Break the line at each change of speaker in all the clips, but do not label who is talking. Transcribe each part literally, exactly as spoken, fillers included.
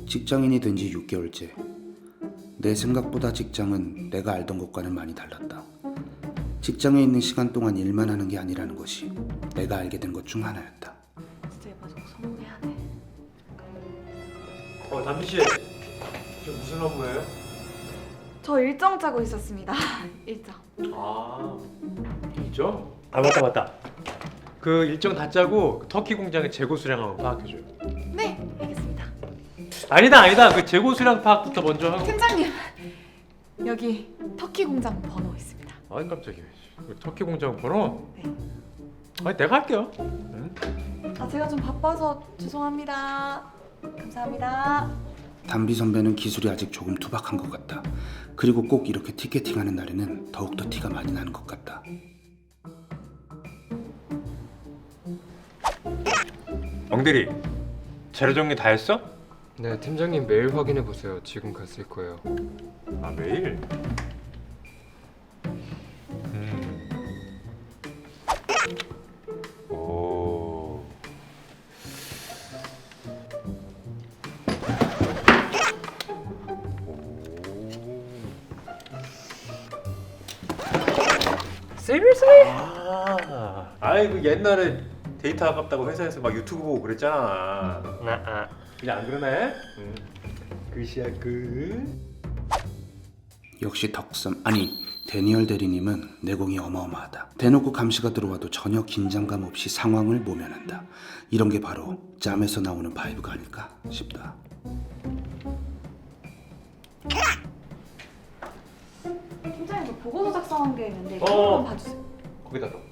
직장인이 된 지 육 개월째. 내 생각보다 직장은 내가 알던 것과는 많이 달랐다. 직장에 있는 시간 동안 일만 하는 게 아니라는 것이 내가 알게 된 것 중 하나였다.
진짜 얘 저거 서운해야 돼.
어, 담비 씨, 저 무슨 업무예요?
저 일정 짜고 있었습니다. 일정.
아, 일정? 아 맞다 맞다. 그 일정 다 짜고 터키 공장의 재고 수량 한번 파악해줘요.
네, 알겠습니다.
아니다 아니다. 그 재고 수량 파악부터 먼저 하고.
팀장님, 여기 터키 공장 번호 있습니다.
아니 깜짝이야. 그 터키 공장 번호?
네.
아니 내가 할게요. 응?
아, 제가 좀 바빠서 죄송합니다. 감사합니다.
담비 선배는 기술이 아직 조금 투박한 것 같다. 그리고 꼭 이렇게 티켓팅하는 날에는 더욱더 티가 많이 나는 것 같다.
엉대리, 자료 정리 다 했어?
네, 팀장님 메일 확인해 보세요. 지금 갔을 거예요.
아 매일? 음. 오.
Seriously?
아, 아이 그 옛날에 데이터 아깝다고 회사에서 막 유튜브 보고 그랬잖아.
나 아.
이제 안 그러네? 응. 끝이야 끝.
역시 덕섬 아니 데니얼 대리님은 내공이 어마어마하다. 대놓고 감시가 들어와도 전혀 긴장감 없이 상황을 모면한다. 이런 게 바로 짬에서 나오는 바이브가 아닐까 싶다.
팀장님, 저 보고서 작성한 게 있는데 이거
어.
한번 봐주세요.
거기다 넣어.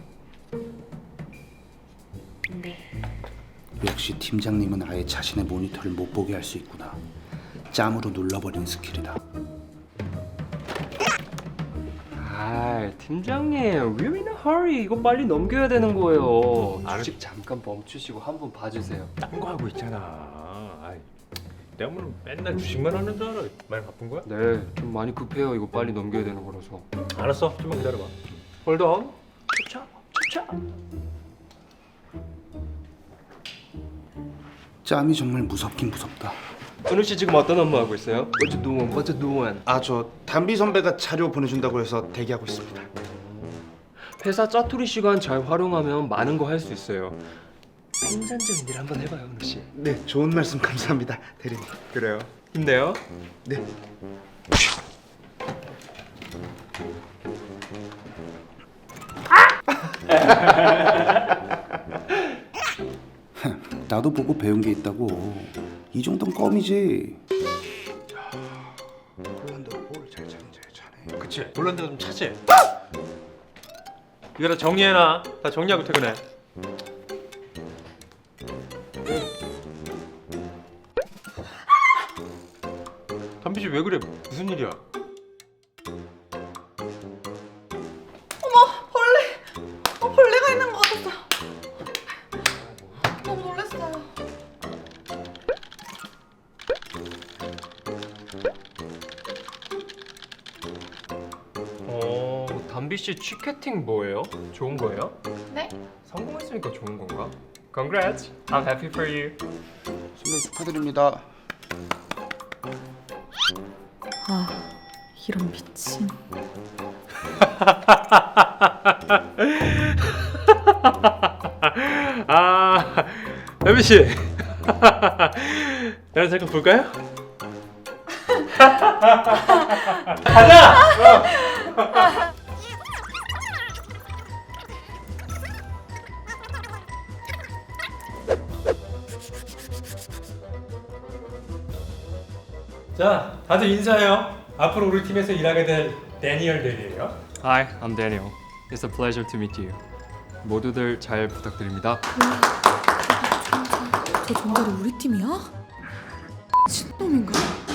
네.
역시 팀장님은 아예 자신의 모니터를 못 보게 할 수 있구나. 짬으로 눌러버리는 스킬이다.
아, 팀장님, we're in a hurry. 이거 빨리 넘겨야 되는 거예요.
알-
주식 잠깐 멈추시고 한번 봐주세요.
딴 거 하고 있잖아. 아이, 내가 뭐 맨날 주식만 하는 줄 알아. 많이 바쁜 거야?
네, 좀 많이 급해요. 이거 빨리 넘겨야 되는 거라서.
알았어. 좀만 기다려봐. 홀드 온. 추차, 추차.
짬이 정말 무섭긴 무섭다.
은우 씨 지금 어떤 업무 하고 있어요? What you doing? What you doing?
아, 저 담비 선배가 자료 보내준다고 해서 대기하고 있습니다.
회사 짜투리 시간 잘 활용하면 많은 거 할 수 있어요. 생산적인 일 한번 해봐요, 은우 씨.
네, 좋은 말씀 감사합니다, 대리님.
그래요. 힘내요.
네. 나도 보고 배운 게 있다고. 이 정도는 껌이지. 폴란드가 볼을 잘 찾는지 잘해.
그치. 볼란드가 좀 차지. 이거 다 정리해놔. 다 정리하고 퇴근해. 담비 씨 왜 그래? 무슨 일이야?
벌레! 어, 벌레가 있는 것 같았어. 너무 놀랐어요.
어, 담비 씨 취캐팅 뭐예요? 좋은 거예요?
네?
성공했으니까 좋은 건가? Congrats, I'm happy for you.
선배 축하드립니다.
아, 이런 미친.
아, 담비 씨. 나랑 잠깐 볼까요? 가자. 자, 다들 인사해요. 앞으로 우리 팀에서 일하게 될 데니얼 델이에요.
Hi, I'm Daniel. It's a pleasure to meet you. 모두들 잘 부탁드립니다.
저 정말 우리 팀이야? 미친놈인가?